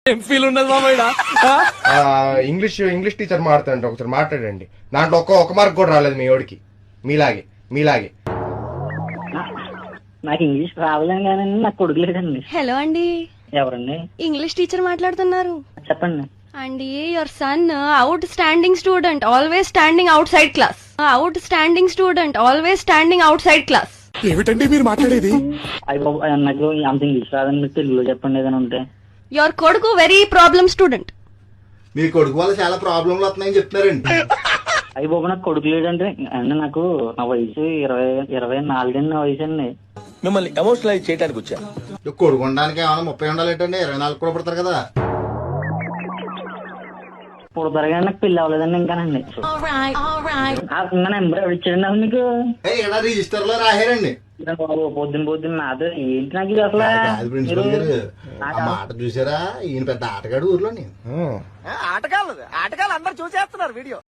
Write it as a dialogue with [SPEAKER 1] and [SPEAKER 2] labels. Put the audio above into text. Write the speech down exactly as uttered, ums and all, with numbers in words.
[SPEAKER 1] ఏం ఫీల్ ఉన్నది మామయ్య?
[SPEAKER 2] ఇంగ్లీష్ ఇంగ్లీష్ టీచర్ మాట్లాడండి, ఒకసారి మాట్లాడండి. దాంట్లో ఒక్క ఒక మార్క్ కూడా రాలేదు మీ ఓడికి, మీలాగే మీలాగే.
[SPEAKER 3] నాకు ఇంగ్లీష్ రావలేను కానీ నాకు కొడుకు లేదండి.
[SPEAKER 4] హలో అండి,
[SPEAKER 3] ఎవరండి?
[SPEAKER 4] ఇంగ్లీష్ టీచర్ మాట్లాడుతున్నారు
[SPEAKER 3] చెప్పండి.
[SPEAKER 4] అండి. Your son outstanding student, always standing outside class. Outstanding student, always standing outside class.
[SPEAKER 5] ఏమిటండి మీరు మాట్లాడేది?
[SPEAKER 3] అయ్యి బాబు, నాకు అంత ఇంగ్లీష్ రాదండి, మీరు తెలుగులో చెప్పండి ఏదైనా ఉంటే.
[SPEAKER 4] యువర్ కొడుకు వెరీ ప్రాబ్లమ్ స్టూడెంట్.
[SPEAKER 6] మీ కొడుకు వల్ల చాలా ప్రాబ్లంలు వస్తున్నాయని చెప్తున్నారండి.
[SPEAKER 3] అయ్యి బాబు, నాకు కొడుకు లేడంటే అంటే నాకు నా వయసు ఇరవై ఇరవై నాలుగండి నా వయసు అండి.
[SPEAKER 1] మిమ్మల్ని ఎమోషనలైజ్ చేయడానికి వచ్చా.
[SPEAKER 6] కొడుకు ఉండడానికి ఏమైనా ముప్పై ఉండాలేటండి, ఇరవై నాలుగు కూడా పడతారు కదా.
[SPEAKER 3] పుడతారు కానీ నాకు పెళ్లి అవ్వలేదండి ఇంకానండి. ఇంకా నెంబర్ ఎవరు ఇచ్చాడండి అసలు మీకు?
[SPEAKER 6] ఇలా రిజిస్టర్ లో రాశారండి.
[SPEAKER 3] బాబు పొద్దున పొద్దున్న నాతో ఏంటి నాకు ఇది అసలు?
[SPEAKER 6] కాదు ప్రిన్సిపల్ గారు, ఆ మాట చూసారా? ఈయన పెద్ద ఆటగాడు ఊర్లోని.
[SPEAKER 1] ఆటగాళ్ళు ఆటగాళ్ళు అందరు చూసేస్తున్నారు వీడియో.